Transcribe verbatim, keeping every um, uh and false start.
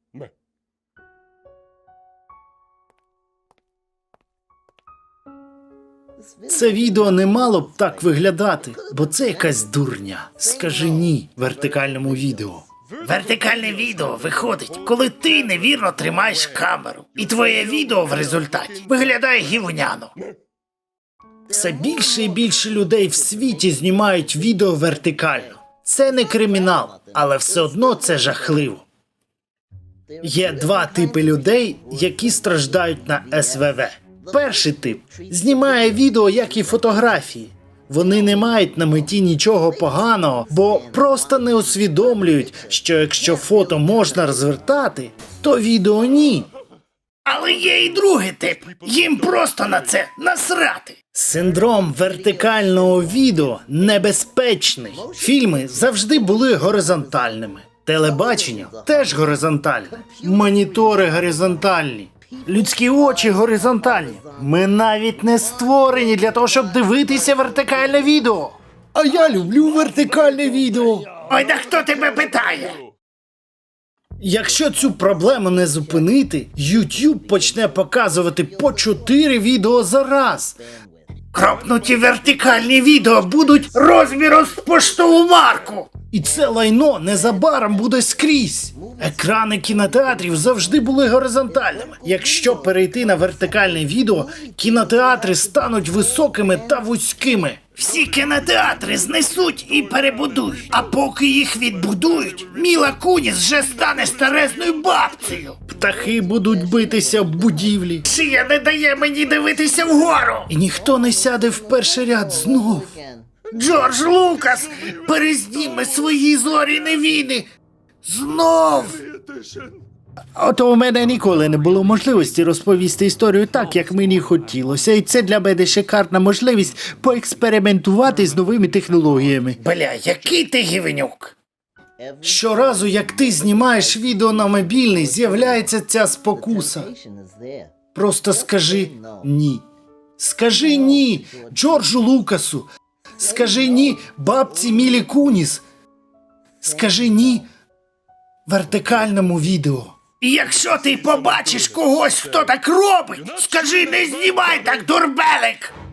Це відео не мало б так виглядати, бо це якась дурня. Скажи ні вертикальному відео. Вертикальне відео виходить, коли ти невірно тримаєш камеру. І твоє відео в результаті виглядає гівняно. Все більше і більше людей в світі знімають відео вертикально. Це не кримінал, але все одно це жахливо. Є два типи людей, які страждають на ес ве ве. Перший тип знімає відео, як і фотографії. Вони не мають на меті нічого поганого, бо просто не усвідомлюють, що якщо фото можна розвертати, то відео ні. Але є і другий тип. Їм просто на це насрати. Синдром вертикального відео небезпечний. Фільми завжди були горизонтальними. Телебачення теж горизонтальне. Монітори горизонтальні. Людські очі горизонтальні. Ми навіть не створені для того, щоб дивитися вертикальне відео. А я люблю вертикальне відео. Ой, да хто тебе питає? Якщо цю проблему не зупинити, YouTube почне показувати по чотири відео за раз. Кропнуті вертикальні відео будуть розміром з поштову марку. І це лайно незабаром буде скрізь. Екрани кінотеатрів завжди були горизонтальними. Якщо перейти на вертикальне відео, кінотеатри стануть високими та вузькими. Всі кінотеатри знесуть і перебудують. А поки їх відбудують, Міла Куніс вже стане старезною бабцею. Птахи будуть битися в будівлі. Шия не дає мені дивитися вгору. І ніхто не сяде в перший ряд знов. Джордж Лукас перезніме свої зоряні війни. Знов. Ото у мене ніколи не було можливості розповісти історію так, як мені хотілося. І це для мене шикарна можливість поекспериментувати з новими технологіями. Бля, який ти гівнюк. Щоразу, як ти знімаєш відео на мобільний, з'являється ця спокуса. Просто скажи ні. Скажи ні Джорджу Лукасу. Скажи ні бабці Мілі Куніс. Скажи ні вертикальному відео. І якщо ти побачиш когось, хто так робить, скажи, не знімай так, дурбелик!